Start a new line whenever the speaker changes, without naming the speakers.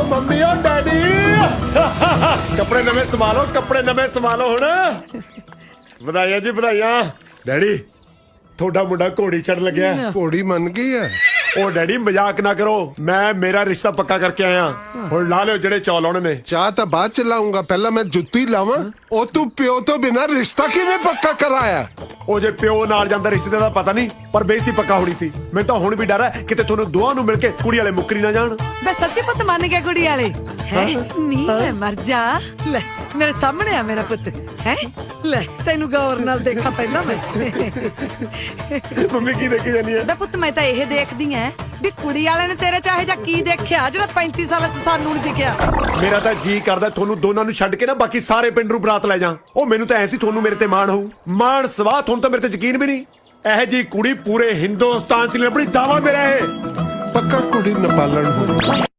Mummy ਓ daddy ਕੱਪੜੇ ਨਵੇਂ ਸਵਾ ਲਓ, ਕੱਪੜੇ ਨਵੇਂ ਸਵਾ ਲਓ ਹੁਣ। ਵਧਾਈਆਂ ਜੀ ਵਧਾਈਆਂ। ਡੈਡੀ ਤੁਹਾਡਾ ਮੁੰਡਾ ਘੋੜੀ ਚੜ ਲੱਗਿਆ।
ਘੋੜੀ ਮੰਨ ਗਈ ਹੈ।
ਉਹ ਡੈਡੀ ਮਜ਼ਾਕ ਨਾ ਕਰੋ, ਮੈਂ ਮੇਰਾ ਰਿਸ਼ਤਾ ਪੱਕਾ ਕਰਕੇ ਆਇਆ। ਹੁਣ ਲਾ ਲਿਓ ਜਿਹੜੇ ਚੌਲ ਆਉਣੇ ਨੇ।
ਚਾਹ ਤਾਂ ਬਾਅਦ ਚ ਲਾਉਂਗਾ, ਪਹਿਲਾਂ ਮੈਂ ਜੁੱਤੀ ਲਾਵਾਂ। ਉਹ ਤੂੰ ਪਿਓ ਤੋਂ ਬਿਨਾਂ ਰਿਸ਼ਤਾ ਕਿਵੇਂ ਪੱਕਾ ਕਰਾਇਆ?
ਉਹ ਜੇ ਪਿਓ ਨਾਲ ਜਾਂਦਾ ਰਿਸ਼ਤੇ ਦਾ ਪਤਾ ਨਹੀਂ, ਪਰ ਬੇਇੱਜ਼ਤੀ ਪੱਕਾ ਹੋਣੀ ਸੀ। ਮੈਨੂੰ ਤਾਂ ਹੁਣ ਵੀ ਡਰ ਹੈ ਕਿਤੇ ਤੁਹਾਨੂੰ ਦੋਹਾਂ ਨੂੰ ਮਿਲ ਕੇ ਕੁੜੀ ਵਾਲੇ ਮੁੱਕਰੀ ਨਾ ਜਾਣ।
ਮੈਂ ਸੱਚੀ ਪੁੱਤ ਮੰਨ ਗਿਆ ਕੁੜੀ ਵਾਲੇ ਹੈ। ਨਹੀਂ ਮੈਂ ਮਰ ਜਾ। ਲੈ ਮੇਰੇ ਸਾਹਮਣੇ ਆ ਮੇਰਾ ਪੁੱਤ ਹੈ। ਲੈ ਤੈਨੂੰ ਗੌਰ ਨਾਲ ਦੇਖਾਂ ਪਹਿਲਾਂ ਮੈਂ।
ਮੰਮੀ ਕੀ ਦੇਖੀ ਜਾਨੀ ਹੈ?
ਬੇ ਪੁੱਤ ਮੈਂ ਤਾਂ ਇਹ ਦੇਖਦੀ ਐ ਵੀ ਕੁੜੀ ਵਾਲੇ ਨੇ ਤੇਰੇ ਚਾਹੇ ਜਾਂ ਕੀ ਦੇਖਿਆ ਜਿਹੜਾ 35 ਸਾਲਾਂ ਚ ਸਾਨੂੰ ਨਹੀਂ ਦਿਖਿਆ।
ਮੇਰਾ ਤਾਂ ਜੀ ਕਰਦਾ ਤੁਹਾਨੂੰ ਦੋਨਾਂ ਨੂੰ ਛੱਡ ਕੇ ਨਾ ਬਾਕੀ ਸਾਰੇ ਪਿੰਡ ਨੂੰ ਬਰਾਤ ਲੈ ਜਾ। ਉਹ ਮੈਨੂੰ ਤਾਂ ਐਸੀ ਤੁਹਾਨੂੰ ਮੇਰੇ ਤੇ ਮਾਣ ਹੋਊ। ਮਾਣ ਸਵਾਹ ਤੁਹਾਨੂੰ ਤਾਂ ਮੇਰੇ ਤੇ ਯਕੀਨ ਵੀ ਨਹੀਂ। ਇਹ ਜੀ ਕੁੜੀ ਪੂਰੇ ਹਿੰਦੁਸਤਾਨ ਚ ਲੱਭਣੀ ਦਾਵਾ ਮੇਰਾ ਇਹ।
ਪੱਕਾ ਕੁੜੀ ਨਪਾਲਣ ਹੋ।